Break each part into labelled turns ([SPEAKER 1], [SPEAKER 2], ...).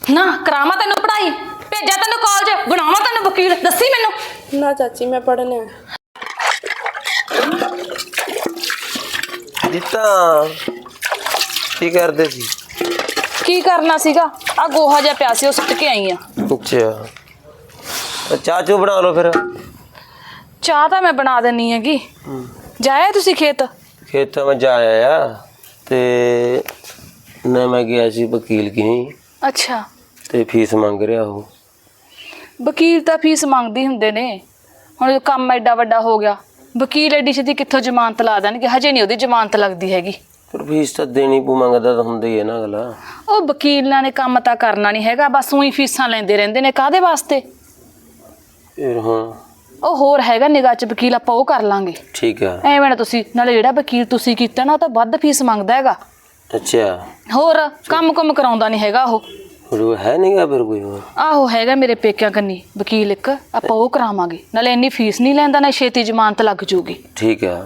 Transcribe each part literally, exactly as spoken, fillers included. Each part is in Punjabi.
[SPEAKER 1] ना करावा तेन पढ़ाई भेजा तेन कॉलेज बनावा तेन वकील दसी मैनू
[SPEAKER 2] ना चाची मैं पढ़ने
[SPEAKER 3] जीता की करदे सी
[SPEAKER 1] की करना सीगा आ गोहा जिहा पिया सी ओ सुੱਟ के आई आ
[SPEAKER 3] अच्छा चाह चू बना लो फिर
[SPEAKER 1] चाह तो मैं बना देनी हैगी जाया तुसी खेत
[SPEAKER 3] खेत मैं जा आया ते ना मैं गया सी वकील की
[SPEAKER 1] अच्छा
[SPEAKER 3] ते फीस मंग रहा हो
[SPEAKER 1] वकील तो फीस मंगदी हुंदे ने हुण काम एडा वड्डा हो गया वकील एडी छेती कित्थों जमानत ला देणगे हजे नहीं ओदी जमानत लगदी हैगी
[SPEAKER 3] पर फीस तो देनी पू मंगदा तो हुंदा ही है ना अगला
[SPEAKER 1] ਉਹ ਵਕੀਲਾਂ ਨੇ ਕੰਮ ਤਾਂ ਕਰਨਾ ਨਹੀਂ ਹੈਗਾ ਬਸ ਉਹੀ ਫੀਸਾਂ ਲੈਂਦੇ ਰਹਿੰਦੇ ਨੇ ਕਾਦੇ ਵਾਸਤੇ
[SPEAKER 3] फिर हाँ
[SPEAKER 1] ਉਹ ਹੋਰ ਹੈਗਾ ਨਿਗਾਹ ਚ ਵਕੀਲ ਆਪਾਂ ਉਹ ਕਰ ਲਾਂਗੇ
[SPEAKER 3] ठीक है
[SPEAKER 1] ਐਵੇਂ ਨਾ ਤੁਸੀਂ ਨਾਲੇ ਜਿਹੜਾ ਵਕੀਲ ਤੁਸੀਂ ਕੀਤਾ ਨਾ ਉਹ ਤਾਂ ਵੱਧ ਫੀਸ ਮੰਗਦਾ ਹੈਗਾ
[SPEAKER 3] अच्छा
[SPEAKER 1] ਹੋਰ ਕੰਮ ਕੰਮ ਕਰਾਉਂਦਾ ਨਹੀਂ ਹੈਗਾ ਉਹ
[SPEAKER 3] फिर वो है नहीं गा फिर कोई और
[SPEAKER 1] ਆਹੋ ਹੈਗਾ ਮੇਰੇ ਪੇਕਿਆਂ ਕੰਨੀ ਵਕੀਲ ਇੱਕ ਆਪਾਂ ਉਹ ਕਰਾਵਾਂਗੇ ਨਾਲੇ ਇੰਨੀ ਫੀਸ ਨਹੀਂ ਲੈਂਦਾ ਨਾ ਛੇਤੀ ਜ਼ਮਾਨਤ ਲੱਗ ਜੂਗੀ
[SPEAKER 3] ठीक है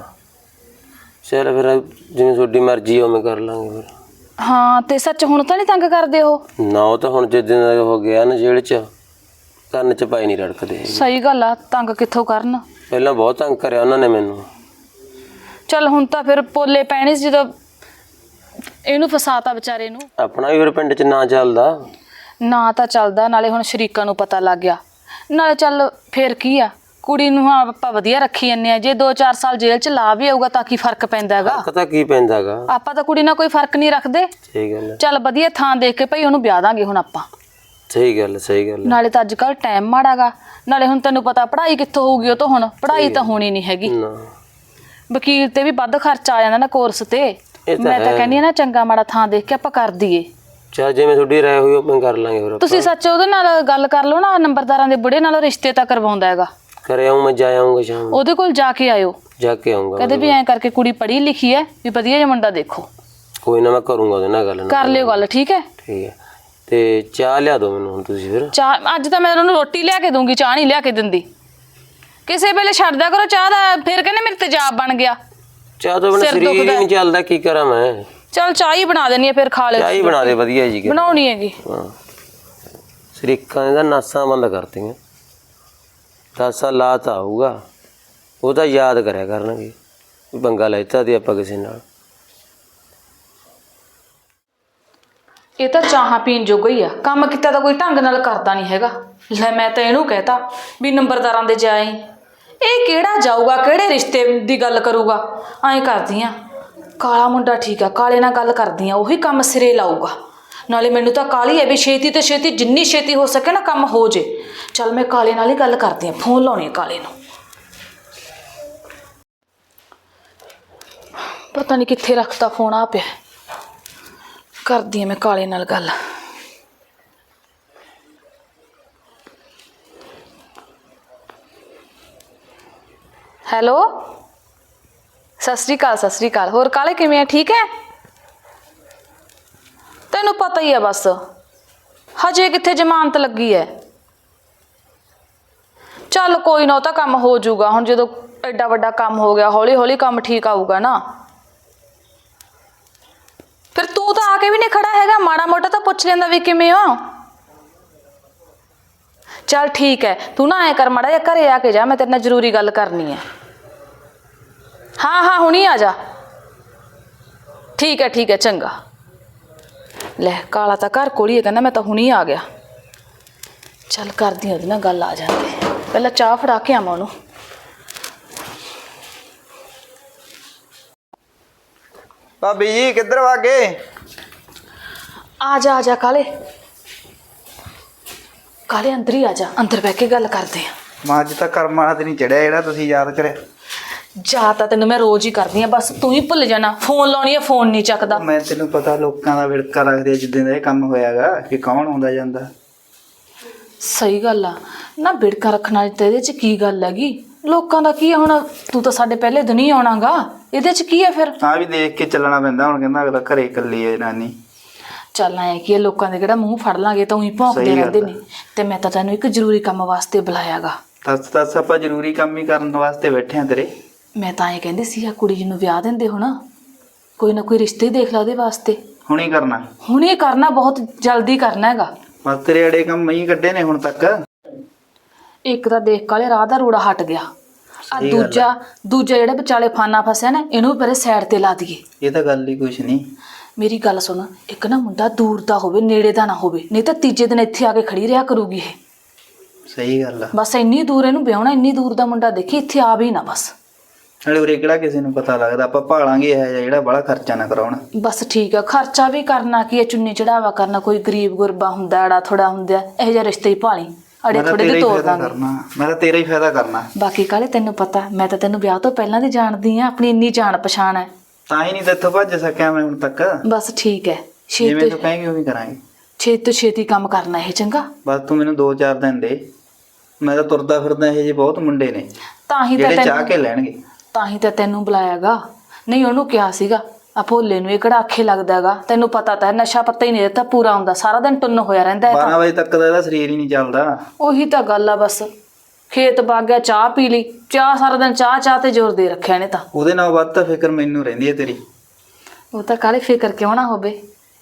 [SPEAKER 3] चल फिर जिवें थोड़ी मर्जी उवें कर लांगे फिर
[SPEAKER 1] ਹਾਂ ਤੇ ਸੱਚ ਹੁਣ ਤਾਂ ਨਹੀਂ ਤੰਗ ਕਰਦੇ ਉਹ
[SPEAKER 3] ना वो तो हुण जिस दिन दा हो गया ना जेल च ਕੰਨ ਚ ਪਾਈ ਨਹੀਂ ਰੜਕਦੇ
[SPEAKER 1] ਸਹੀ ਗੱਲ ਆ ਤੰਗ ਕਿੱਥੋਂ ਕਰਨ
[SPEAKER 3] ਪਹਿਲਾਂ ਬਹੁਤ ਤੰਗ ਕਰਿਆ ਉਹਨਾਂ ਨੇ ਮੈਨੂੰ
[SPEAKER 1] ਚੱਲ ਹੁਣ ਤਾਂ ਫਿਰ ਪੋਲੇ ਪੈਣੇ ਸੀ ਜਦੋਂ ਇਹਨੂੰ ਫਸਾਤਾ ਵਿਚਾਰੇ ਨੂੰ
[SPEAKER 3] ਆਪਣਾ ਵੀ ਫਿਰ ਪਿੰਡ ਚ ਨਾਂ ਚੱਲਦਾ
[SPEAKER 1] ਨਾ ਤਾਂ ਚੱਲਦਾ ਨਾਲੇ ਹੁਣ ਸ਼ਰੀਕਾਂ ਨੂੰ ਪਤਾ ਲੱਗ ਗਿਆ ਨਾਲੇ ਚੱਲ ਫੇਰ ਕੀ ਆ ਕੁੜੀ ਨੂੰ ਹਾਂ ਆਪਾਂ ਵਧੀਆ ਰੱਖੀ ਜੰਨੇ ਆ ਜੇ ਦੋ ਚਾਰ ਸਾਲ ਜੇਲ੍ਹ ਚ ਲਾ ਵੀ ਆਊਗਾ ਤਾਂ ਕੀ ਫਰਕ ਪੈਂਦਾ ਹੈਗਾ
[SPEAKER 3] ਪਤਾ ਕੀ ਪੈਂਦਾਗਾ
[SPEAKER 1] ਆਪਾਂ ਤਾਂ ਕੁੜੀ ਨਾਲ ਕੋਈ ਫਰਕ ਨਹੀਂ ਰੱਖਦੇ
[SPEAKER 3] ਸਹੀ ਗੱਲ ਹੈ
[SPEAKER 1] ਚੱਲ ਵਧੀਆ ਥਾਂ ਦੇਖ ਕੇ ਭਈ ਉਹਨੂੰ ਵਿਆਹ ਦਾਂਗੇ ਹੁਣ ਆਪਾਂ
[SPEAKER 3] ਸਹੀ ਗੱਲ ਸਹੀ ਗੱਲ
[SPEAKER 1] ਨਾਲੇ ਤਾਂ ਅੱਜ ਕੱਲ ਟਾਈਮ ਮਾੜਾਗਾ ਨਾਲੇ ਹੁਣ ਤੈਨੂੰ ਪਤਾ ਪੜ੍ਹਾਈ ਕਿੱਥੋਂ ਹੋਊਗੀ ਉਹ ਤਾਂ ਹੁਣ ਪੜ੍ਹਾਈ ਤਾਂ ਹੋਣੀ ਨਹੀਂ ਹੈਗੀ
[SPEAKER 3] ਨਾ
[SPEAKER 1] ਵਕੀਲ ਤੇ ਵੀ ਵੱਧ ਖਰਚਾ ਆ ਜਾਂਦਾ ਨਾ ਕੋਰਸ ਤੇ ਮੈਂ ਤਾਂ ਕਹਿੰਦੀ ਆ ਨਾ ਚੰਗਾ ਮਾੜਾ ਥਾਂ ਦੇਖ ਕੇ ਆਪਾਂ ਕਰ ਦਈਏ
[SPEAKER 3] ਚਾ ਜਿਵੇਂ ਤੁਹਾਡੀ ਰਾਏ ਹੋਈ ਉਹ ਕਰ ਲਾਂਗੇ ਫਿਰ
[SPEAKER 1] ਤੁਸੀਂ ਸੱਚ ਉਹਦੇ ਨਾਲ ਗੱਲ ਕਰ ਲਓ ਨਾ ਨੰਬਰਦਾਰਾਂ ਦੇ ਬੁੜੇ ਨਾਲ ਰਿਸ਼ਤੇ ਤਾਂ ਕਰਵਾਉਂਦਾ ਹੈਗਾ
[SPEAKER 3] ਕਰੇ ਆਉਂ ਮੈਂ ਜਾ ਆਉਂਗਾ ਸ਼ਾਮ
[SPEAKER 1] ਉਹਦੇ ਕੋਲ ਜਾ ਕੇ ਆਇਓ
[SPEAKER 3] ਜਾ ਕੇ ਆਉਂਗਾ
[SPEAKER 1] ਕਦੇ ਵੀ ਐਂ ਕਰਕੇ ਕੁੜੀ ਪੜ੍ਹੀ ਲਿਖੀ ਹੈ ਵੀ ਵਧੀਆ ਜਿਹਾ ਮੁੰਡਾ ਦੇਖੋ
[SPEAKER 3] ਕੋਈ ਨਾ ਮੈਂ ਕਰੂੰਗਾ ਉਹਦੇ ਨਾਲ ਗੱਲ
[SPEAKER 1] ਕਰ ਲਿਓ ਗੱਲ ਠੀਕ ਹੈ
[SPEAKER 3] ਠੀਕ ਹੈ ਤੇ ਚਾਹ ਲਿਆ ਦੋ ਮੈਨੂੰ ਹੁਣ ਤੁਸੀਂ ਫਿਰ
[SPEAKER 1] ਚਾਹ ਅੱਜ ਤਾਂ ਮੈਂ ਉਹਨੂੰ ਰੋਟੀ ਲਿਆ ਕੇ ਦੂੰਗੀ ਚਾਹ ਨਹੀਂ ਲਿਆ ਕੇ ਦਿੰਦੀ ਕਿਸੇ ਵੇਲੇ ਛੱਡ ਦਿਆ ਕਰੋ ਚਾਹ ਦਾ ਫਿਰ ਕਹਿੰਦੇ ਮੇਰੇ ਤੇਜ਼ਾਬ ਬਣ ਗਿਆ
[SPEAKER 3] ਚਾਹ ਤੋਂ ਬਿਨਾਂ ਸਰੀਰ ਹੀ ਨਹੀਂ ਚੱਲਦਾ ਕੀ ਕਰਾਂ ਮੈਂ
[SPEAKER 1] ਚਲ ਚਾਹ ਹੀ ਬਣਾ ਦੇਣੀ ਹੈ ਫਿਰ ਖਾ ਲਿਓ
[SPEAKER 3] ਚਾਹ ਹੀ ਬਣਾ ਦੇ ਵਧੀਆ ਜੀ
[SPEAKER 1] ਬਣਾਉਣੀ ਹੈਗੀ
[SPEAKER 3] ਹਾਂ ਸਰੀਕਾਂ ਦਾ ਨਾਸਾਂ ਬੰਦ ਕਰਤੀਆਂ ਦਸ ਸਾਲ ਲਾਤ ਆਊਗਾ ਉਹ ਤਾਂ ਯਾਦ ਕਰਿਆ ਕਰਨਗੇ ਵੀ ਬੰਗਾ ਲੈਤਾ ਤੇ ਆਪਾਂ ਕਿਸੇ ਨਾਲ
[SPEAKER 1] ਇਹ ਤਾਂ ਚਾਹਾਂ ਪੀਣ ਜੋਗਾ ਹੀ ਆ ਕੰਮ ਕੀਤਾ ਤਾਂ ਕੋਈ ਢੰਗ ਨਾਲ ਕਰਦਾ ਨਹੀਂ ਹੈਗਾ ਲੈ ਮੈਂ ਤਾਂ ਇਹਨੂੰ ਕਹਿਤਾ ਵੀ ਨੰਬਰਦਾਰਾਂ ਦੇ ਜਾਈ ਇਹ ਕਿਹੜਾ ਜਾਊਗਾ ਕਿਹੜੇ ਰਿਸ਼ਤੇ ਦੀ ਗੱਲ ਕਰੂਗਾ ਐਂ ਕਰਦੀ ਆ ਕਾਲਾ ਮੁੰਡਾ ਠੀਕ ਆ ਕਾਲੇ ਨਾਲ ਗੱਲ ਕਰਦੀ ਆ ਉਹੀ ਕੰਮ ਸਿਰੇ ਲਾਊਗਾ ਨਾਲੇ ਮੈਨੂੰ ਤਾਂ ਕਾਲੀ ਹੈ ਵੀ ਛੇਤੀ ਤੇ ਛੇਤੀ ਜਿੰਨੀ ਛੇਤੀ ਹੋ ਸਕੇ ਨਾ ਕੰਮ ਹੋ ਜੇ ਚੱਲ ਮੈਂ ਕਾਲੇ ਨਾਲ ਹੀ ਗੱਲ ਕਰਦੀ ਆ ਫੋਨ ਲਾਉਣੀ ਕਾਲੇ ਨੂੰ ਪਤਾ ਨਹੀਂ ਕਿੱਥੇ ਰੱਖਤਾ ਫੋਨ ਆ ਪਿਆ ਕਰਦੀ ਆ ਮੈਂ ਕਾਲੇ ਨਾਲ ਗੱਲ ਹੈਲੋ ਸਤਿ ਸ਼੍ਰੀ ਅਕਾਲ ਸਤਿ ਸ਼੍ਰੀ ਅਕਾਲ ਹੋਰ ਕਾਲੇ ਕਿਵੇਂ ਆ ਠੀਕ ਹੈ ਤੈਨੂੰ ਪਤਾ ਹੀ ਆ ਬਸ ਹਜੇ ਕਿੱਥੇ ਜ਼ਮਾਨਤ ਲੱਗੀ ਹੈ ਚੱਲ ਕੋਈ ਨਾ ਉਹ ਤਾਂ ਕੰਮ ਹੋ ਜਾਊਗਾ ਹੁਣ ਜਦੋਂ ਐਡਾ ਵੱਡਾ ਕੰਮ ਹੋ ਗਿਆ ਹੌਲੀ ਹੌਲੀ ਕੰਮ ਠੀਕ ਆਊਗਾ ਨਾ ਫਿਰ ਤੂੰ ਤਾਂ ਆ ਕੇ ਵੀ ਨਹੀਂ ਖੜਾ ਹੈਗਾ ਮਾੜਾ ਮੋਟਾ ਤਾਂ ਪੁੱਛ ਲੈਂਦਾ ਵੀ ਕਿਵੇਂ ਹੋ ਚੱਲ ਠੀਕ ਹੈ ਤੂੰ ਨਾ ਐ ਕਰ ਮਾੜਾ ਜਿਹਾ ਘਰੇ ਆ ਕੇ ਜਾ ਮੈਂ ਤੇਰੇ ਨਾਲ ਜ਼ਰੂਰੀ ਗੱਲ ਕਰਨੀ ਹੈ ਹਾਂ ਹਾਂ ਹੁਣੀ ਆ ਜਾ ਠੀਕ ਹੈ ਠੀਕ ਹੈ ਚੰਗਾ ਲੈ ਕਾਲਾ ਤਾਂ ਘਰ ਕੋਲ ਹੀ ਹੈ ਕਹਿੰਦਾ ਮੈਂ ਤਾਂ ਹੁਣੀ ਆ ਗਿਆ ਚੱਲ ਕਰਦੀ ਉਹਦੇ ਨਾਲ ਗੱਲ ਆ ਜਾਂਦੀ ਪਹਿਲਾਂ ਚਾਹ ਫੜਾ ਕੇ ਆਵਾਂ ਉਹਨੂੰ
[SPEAKER 4] ਭਾਬੀ ਜੀ ਕਿੱਧਰ ਵਾਗੇ
[SPEAKER 1] ਆ ਜਾ ਆ ਜਾ ਕਾਲੇ ਕਾਲੇ ਅੰਦਰ ਹੀ ਆ ਜਾ ਅੰਦਰ ਬਹਿ ਕੇ ਗੱਲ ਕਰਦੇ ਆ
[SPEAKER 4] ਮਾਂ ਅੱਜ ਤਾਂ ਕਰਮ ਵਾਲਾ ਤੇ ਨਹੀਂ ਚੜਿਆ ਜਿਹੜਾ ਤੁਸੀਂ ਯਾਦ ਕਰਿਆ
[SPEAKER 1] ਜਾ ਤਾਂ ਤੈਨੂੰ ਮੈਂ ਰੋਜ਼ ਹੀ ਕਰਦੀ ਆ ਬਸ ਤੂੰ ਹੀ ਭੁੱਲ ਜਾਣਾ ਫੋਨ ਲਾਉਣੀ ਆ ਫੋਨ ਨਹੀਂ ਚੱਕਦਾ
[SPEAKER 4] ਮੈਂ ਤੈਨੂੰ ਪਤਾ ਲੋਕਾਂ ਦਾ ਵਿੜਕਾ ਰੱਖਦੇ ਜਿੱਦਾਂ ਦਾ ਇਹ ਕੰਮ ਹੋਇਆਗਾ ਕਿ ਕੌਣ ਆਉਂਦਾ ਜਾਂਦਾ
[SPEAKER 1] ਸਹੀ ਗੱਲ ਆ ਨਾ ਵਿੜਕਾ ਰੱਖਣ ਵਾਲੀ ਤੇ ਇਹਦੇ ਚ ਕੀ ਗੱਲ ਹੈਗੀ ਲੋਕਾਂ ਦਾ ਕੀ ਆ ਹੁਣ ਤੂੰ ਤਾਂ ਸਾਡੇ ਪਹਿਲੇ ਦਿਨ ਹੀ ਆਉਣਾਗਾ ਇਹਦੇ ਚ ਕੀ ਆ ਫਿਰ
[SPEAKER 4] ਤਾਂ ਵੀ ਦੇਖ ਕੇ ਚੱਲਣਾ ਪੈਂਦਾ ਹੁਣ ਕਹਿੰਦਾ ਅਗਲਾ ਘਰੇ ਇਕੱਲੀ ਹੈ ਨਾਨੀ
[SPEAKER 1] ਚੱਲ ਐ ਕੀ ਲੋਕਾਂ ਦੇ ਕਿਹੜਾ ਮੂੰਹ ਫੜ ਲਾਂਗੇ ਤਾਂ ਉਹੀ ਭੌਂਕਦੇ ਰਹਿੰਦੇ ਨੇ ਤੇ ਮੈਂ ਤਾਂ ਤੈਨੂੰ ਇੱਕ ਜ਼ਰੂਰੀ ਕੰਮ ਵਾਸਤੇ ਬੁਲਾਇਆਗਾ
[SPEAKER 4] ਦੱਸ ਦੱਸ ਆਪਾਂ ਜ਼ਰੂਰੀ ਕੰਮ ਹੀ ਕਰਨ ਵਾਸਤੇ ਬੈਠੇ ਆ ਤੇਰੇ
[SPEAKER 1] ਮੈਂ ਤਾਂ ਐਂ ਕਹਿੰਦੀ ਸੀ ਆ ਕੁੜੀ ਜੀ ਨੂੰ ਵਿਆਹ ਦਿੰਦੇ ਹੁਣ ਕੋਈ ਨਾ ਕੋਈ ਰਿਸ਼ਤੇ ਦੇਖ ਲਾ ਉਹਦੇ ਵਾਸਤੇ
[SPEAKER 4] ਹੁਣੀ ਕਰਨਾ
[SPEAKER 1] ਹੁਣ ਇਹ ਕਰਨਾ ਬਹੁਤ ਜਲਦੀ ਕਰਨਾ ਹੈਗਾ
[SPEAKER 4] ਬਸ ਤੇਰੇ ਅੜੇ ਕੰਮ ਮੈਂ ਹੀ ਕੱਢੇ ਨੇ ਹੁਣ ਤੱਕ।
[SPEAKER 1] ਇੱਕ ਤਾਂ ਦੇਖ ਕਾਲੇ ਰਾਹ ਦਾ ਰੋੜਾ ਹਟ ਗਿਆ, ਆ
[SPEAKER 4] ਸਹੀ ਗੱਲ ਆ।
[SPEAKER 1] ਦੂਜਾ ਦੂਜਾ ਜਿਹੜਾ ਵਿਚਾਲੇ ਫਾਨਾ ਫਸਿਆ ਨਾ, ਇਹਨੂੰ ਵੀ ਪਰੇ ਸਾਈਡ ਤੇ ਲਾ ਦਈਏ।
[SPEAKER 4] ਇਹ ਤਾਂ ਗੱਲ ਹੀ ਕੁਛ ਨਹੀਂ।
[SPEAKER 1] ਮੇਰੀ ਗੱਲ ਸੁਣ, ਇੱਕ ਨਾ ਮੁੰਡਾ ਦੂਰ ਦਾ ਹੋਵੇ, ਨੇੜੇ ਦਾ ਨਾ ਹੋਵੇ, ਨਹੀਂ ਤਾਂ ਤੀਜੇ ਦਿਨ ਇੱਥੇ ਆ ਕੇ ਖੜੀ ਰਿਹਾ ਕਰੂਗੀ ਇਹ।
[SPEAKER 4] ਸਹੀ ਗੱਲ ਆ।
[SPEAKER 1] ਬਸ ਇੰਨੀ ਦੂਰ ਇਹਨੂੰ ਵਿਆਹਣਾ, ਇੰਨੀ ਦੂਰ ਦਾ ਮੁੰਡਾ ਦੇਖੀ, ਇੱਥੇ ਆ ਵੀ ਨਾ ਬਸ।
[SPEAKER 4] ਨਾਲੇ ਉਰੇ ਕਿਹੜਾ ਕਿਸੇ ਨੂੰ ਪਤਾ ਲੱਗਦਾ, ਆਪਾਂ ਭਾਲਾਂਗੇ ਇਹ ਜਿਹਾ ਜਿਹੜਾ ਬੜਾ ਖਰਚਾ ਨਾ ਕਰਾਉਣ।
[SPEAKER 1] ਬਸ ਠੀਕ ਆ, ਖਰਚਾ ਵੀ ਕਰਨਾ ਕੀ ਹੈ, ਚੁੰਨੀ ਚੜਾਵਾ ਕਰਨਾ, ਕੋਈ ਗਰੀਬ ਗੁਰਬਾ ਹੁੰਦਾ, ਅੜਾ ਥੋੜਾ ਹੁੰਦਾ, ਇਹੋ ਜਿਹਾ ਰਿਸ਼ਤੇ ਹੀ ਭਾਲੀ, ਅੜੇ
[SPEAKER 4] ਮੈਂ ਤਾਂ
[SPEAKER 1] ਥੋੜੇ
[SPEAKER 4] ਤੇਰਾ
[SPEAKER 1] ਦੇ
[SPEAKER 4] ਹੀ
[SPEAKER 1] ਤੋੜ
[SPEAKER 4] ਫਾਇਦਾ
[SPEAKER 1] ਦਾਂਗੇ।
[SPEAKER 4] ਕਰਨਾ, ਮੈਂ ਤਾਂ ਤੇਰਾ ਹੀ ਫਾਇਦਾ ਕਰਨਾ।
[SPEAKER 1] ਬਾਕੀ ਕਾਲੇ ਤੈਨੂੰ ਪਤਾ, ਮੈਂ ਤਾਂ ਤੈਨੂੰ ਵਿਆਹ ਤੋਂ ਪਹਿਲਾਂ ਦੀ ਜਾਣਦੀ ਆ, ਆਪਣੀ ਇੰਨੀ ਜਾਣ ਪਛਾਣ ਹੈ।
[SPEAKER 4] ਤਾਂ ਹੀ ਨਹੀਂ ਤੇਥੋਂ ਭੱਜ ਸਕਿਆ ਮੈਂ ਹੁਣ ਤੱਕ।
[SPEAKER 1] ਬਸ ਠੀਕ ਹੈ,
[SPEAKER 4] ਜਿਵੇਂ
[SPEAKER 1] ਛੇਤੀ
[SPEAKER 4] ਤੂੰ ਕਹੇਂਗੀ ਉਵੇਂ ਕਰਾਂਗੇ।
[SPEAKER 1] ਛੇਤੀ ਤੋਂ ਛੇਤੀ ਕੰਮ ਕਰਨਾ ਇਹ, ਚੰਗਾ।
[SPEAKER 4] ਬਸ ਤੂੰ ਮੈਨੂੰ ਦੋ ਚਾਰ ਦਿਨ ਦੇ, ਮੈਂ ਤਾਂ ਤੁਰਦਾ ਫਿਰਦਾ, ਇਹ ਜਿਹੇ ਬਹੁਤ ਮੁੰਡੇ ਨੇ
[SPEAKER 1] ਤਾਂ ਹੀ ਤਾਂ
[SPEAKER 4] ਜਿਹੜੇ ਚਾਹ
[SPEAKER 1] ਤੈਨੂੰ
[SPEAKER 4] ਕੇ ਲੈਣਗੇ।
[SPEAKER 1] ਤਾਂ ਹੀ ਤਾਂ ਤੈਨੂੰ ਬੁਲਾਇਆਗਾ, ਨਹੀਂ ਉਹਨੂੰ ਕਿਹਾ ਸੀਗਾ ਆ ਭੋਲੇ ਨੂੰ, ਇਹ ਕਿਹੜਾ ਆਖੇ ਲੱਗਦਾਗਾ, ਤੈਨੂੰ ਪਤਾ ਤਾਂ ਹੈ, ਨਸ਼ਾ ਪੱਤਾ ਹੀ ਨਹੀਂ ਦਿੱਤਾ ਪੂਰਾ ਹੁੰਦਾ, ਸਾਰਾ ਦਿਨ ਟੁੰਨ ਹੋਇਆ ਰਹਿੰਦਾ ਹੈ।
[SPEAKER 4] ਬਾਰਾਂ ਵਜੇ ਤੱਕ ਦਾ ਇਹਦਾ ਸਰੀਰ ਹੀ ਨਹੀਂ ਚੱਲਦਾ।
[SPEAKER 1] ਉਹੀ ਤਾਂ ਗੱਲ ਆ, ਬਸ ਖੇਤ ਵਗ ਗਿਆ, ਚਾਹ ਪੀ ਲਈ, ਚਾਹ ਸਾਰਾ ਦਿਨ ਚਾਹ ਚਾਹ ਤੇ ਜ਼ੋਰ ਦੇ ਰੱਖਿਆ ਨੇ ਤਾਂ।
[SPEAKER 4] ਉਹਦੇ ਨਾਲ ਵੱਧ ਤਾਂ ਫਿਕਰ ਮੈਨੂੰ ਰਹਿੰਦੀ ਹੈ ਤੇਰੀ।
[SPEAKER 1] ਉਹ ਤਾਂ ਕਾਲੇ ਫਿਕਰ ਕਿਉਂ ਨਾ ਹੋਵੇ।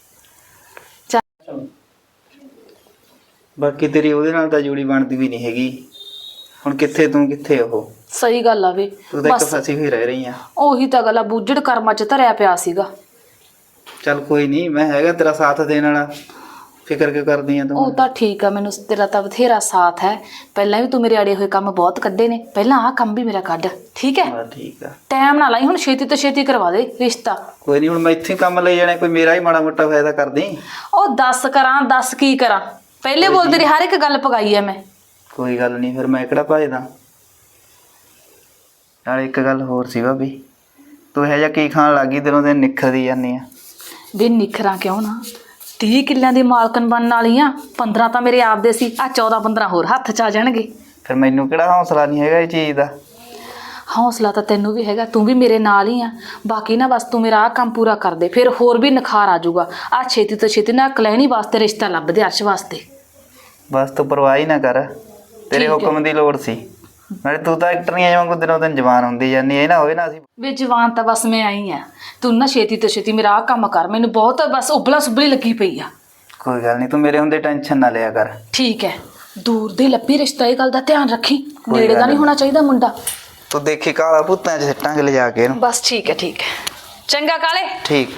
[SPEAKER 4] ਬਾਕੀ ਤੇਰੀ ਉਹਦੇ ਨਾਲ ਤਾਂ ਜੋੜੀ ਬਣਦੀ ਵੀ ਨਹੀਂ ਹੈਗੀ। ਹੁਣ ਕਿੱਥੇ ਤੂੰ ਕਿੱਥੇ ਉਹ,
[SPEAKER 1] ਸਹੀ ਗੱਲ ਆ ਵੇ,
[SPEAKER 4] ਤੂੰ ਤਾਂ ਇੱਕ
[SPEAKER 1] ਬਸ
[SPEAKER 4] ਫਸੀ ਹੋਈ ਰਹਿ ਰਹੀ ਆ।
[SPEAKER 1] ਉਹੀ ਤਾਂ ਗੱਲ ਆ, ਬੂਝੜ ਕਰਮਾਂ ਚ ਧਰਿਆ ਪਿਆ ਸੀਗਾ।
[SPEAKER 4] ਚੱਲ ਕੋਈ ਨਹੀਂ, ਮੈਂ ਹੈਗਾ ਤੇਰਾ ਸਾਥ ਦੇਣ ਵਾਲਾ, ਫਿਕਰ ਕਿਉਂ ਕਰਦੀ ਆ
[SPEAKER 1] ਉਹ
[SPEAKER 4] ਤੂੰ।
[SPEAKER 1] ਤਾਂ ਠੀਕ ਆ, ਮੈਨੂੰ ਤੇਰਾ ਤਾਂ ਬਥੇਰਾ ਸਾਥ ਹੈ, ਪਹਿਲਾਂ ਵੀ ਤੂੰ ਮੇਰੇ ਆੜੇ ਹੋਏ ਕੰਮ ਬਹੁਤ ਕੱਢੇ ਨੇ, ਪਹਿਲਾਂ ਆਹ ਕੰਮ ਵੀ ਮੇਰਾ ਕੱਢ, ਠੀਕ ਹੈ।
[SPEAKER 4] ਹਾਂ ਠੀਕ ਆ।
[SPEAKER 1] ਟਾਈਮ ਨਾ ਲਾਈ, ਹੁਣ ਛੇਤੀ ਤੋਂ ਛੇਤੀ ਕਰਵਾ ਦੇ ਰਿਸ਼ਤਾ।
[SPEAKER 4] ਕੋਈ ਨਹੀਂ, ਹੁਣ ਮੈਂ ਇੱਥੇ ਹੀ ਕੰਮ ਲਈ ਜਾਣਾ, ਕੋਈ ਮੇਰਾ ਹੀ ਮਾੜਾ ਮੋਟਾ ਫਾਇਦਾ ਕਰਦੀ।
[SPEAKER 1] ਉਹ ਦੱਸ ਕਰਾਂ, ਦੱਸ ਕੀ ਕਰਾਂ, ਪਹਿਲੇ ਬੋਲ ਤੇਰੀ ਹਰ ਇੱਕ ਗੱਲ ਪਗਾਈ ਐ ਮੈਂ।
[SPEAKER 4] ਕੋਈ ਗੱਲ ਨਹੀਂ, ਫਿਰ ਮੈਂ ਕਿਹੜਾ ਭਜਦਾ। ਨਾਲ ਇੱਕ ਗੱਲ ਹੋਰ ਸੀ ਭਾਬੀ, ਤੂੰ ਇਹੋ ਜਿਹਾ ਕੀ ਖਾਣ ਲੱਗੀ, ਦਿਨੋਂ ਦਿਨ ਨਿਖਰਦੀ ਜਾਂਦੀ ਆ।
[SPEAKER 1] ਵੀ ਨਿਖਰਾਂ ਕਿਉਂ ਨਾ, ਤੀਹ ਕਿੱਲਿਆਂ ਦੀ ਮਾਲਕਣ ਬਣਨ ਵਾਲੀ ਆ, ਪੰਦਰਾਂ ਤਾਂ ਮੇਰੇ ਆਪ ਦੇ ਸੀ, ਆ ਚੌਦਾਂ ਪੰਦਰਾਂ ਹੋਰ ਹੱਥ ਚ ਆ ਜਾਣਗੇ।
[SPEAKER 4] ਫਿਰ ਮੈਨੂੰ ਕਿਹੜਾ ਹੌਸਲਾ ਨਹੀਂ ਹੈਗਾ ਇਹ ਚੀਜ਼ ਦਾ।
[SPEAKER 1] ਹੌਸਲਾ ਤਾਂ ਤੈਨੂੰ ਵੀ ਹੈਗਾ, ਤੂੰ ਵੀ ਮੇਰੇ ਨਾਲ ਹੀ ਆ। ਬਾਕੀ ਨਾ ਬਸ ਤੂੰ ਮੇਰਾ ਆਹ ਕੰਮ ਪੂਰਾ ਕਰ ਦੇ, ਫਿਰ ਹੋਰ ਵੀ ਨਿਖਾਰ ਆ ਜਾਊਗਾ। ਆ ਛੇਤੀ ਤੋਂ ਛੇਤੀ ਨਾ ਕਲੈਣੀ ਵਾਸਤੇ ਰਿਸ਼ਤਾ ਲੱਭ ਦੇ, ਅਰਸ਼ ਵਾਸਤੇ।
[SPEAKER 4] ਬਸ ਤੂੰ ਪਰਵਾਹ ਹੀ ਨਾ ਕਰ, ਤੇਰੇ ਹੁਕਮ ਦੀ ਲੋੜ ਸੀ। ਨਾਲੇ ਤੂੰ ਤਾਂ ਐਕਟਰੀਆਂ ਵਾਂਗੂ ਦਿਨੋਂ ਦਿਨ ਜਵਾਨ ਹੁੰਦੀ ਜਾਂਦੀ, ਇਹ ਨਾ ਹੋਵੇ ਨਾ ਅਸੀਂ।
[SPEAKER 1] ਵੀ ਜਵਾਨ ਤਾਂ ਬਸ ਮੈਂ ਆਈ ਆ, ਤੂੰ ਨਾ ਛੇਤੀ ਤੋਂ ਛੇਤੀ ਮੇਰਾ ਆਹ ਕੰਮ ਕਰ, ਮੈਨੂੰ ਬਹੁਤ ਬਸ ਉਬਲਾ ਸੁਬਲੀ ਲੱਗੀ ਪਈ ਆ।
[SPEAKER 4] ਕੋਈ ਗੱਲ ਨਹੀਂ, ਤੂੰ ਮੇਰੇ ਹੁੰਦੇ ਟੈਨਸ਼ਨ ਨਾ ਲਿਆ ਕਰ।
[SPEAKER 1] ਠੀਕ ਹੈ, ਦੂਰ ਦੇ ਲੱਭੀ ਰਿਸ਼ਤਾ, ਇਹ ਗੱਲ ਦਾ ਧਿਆਨ ਰੱਖੀ,
[SPEAKER 4] ਕੋਈ
[SPEAKER 1] ਨੇੜੇ ਦਾ
[SPEAKER 4] ਗੱਲ
[SPEAKER 1] ਨਹੀਂ ਹੋਣਾ ਚਾਹੀਦਾ ਮੁੰਡਾ।
[SPEAKER 4] ਤੂੰ ਦੇਖੀ ਕਾਲਾ ਭੂਤਾਂ 'ਚ ਸਿੱਟਾਂਗੇ ਲਿਜਾ ਕੇ ਇਹਨੂੰ।
[SPEAKER 1] ਬਸ ਠੀਕ ਹੈ, ਠੀਕ ਹੈ, ਚੰਗਾ ਕਾਲੇ।
[SPEAKER 4] ਠੀਕ।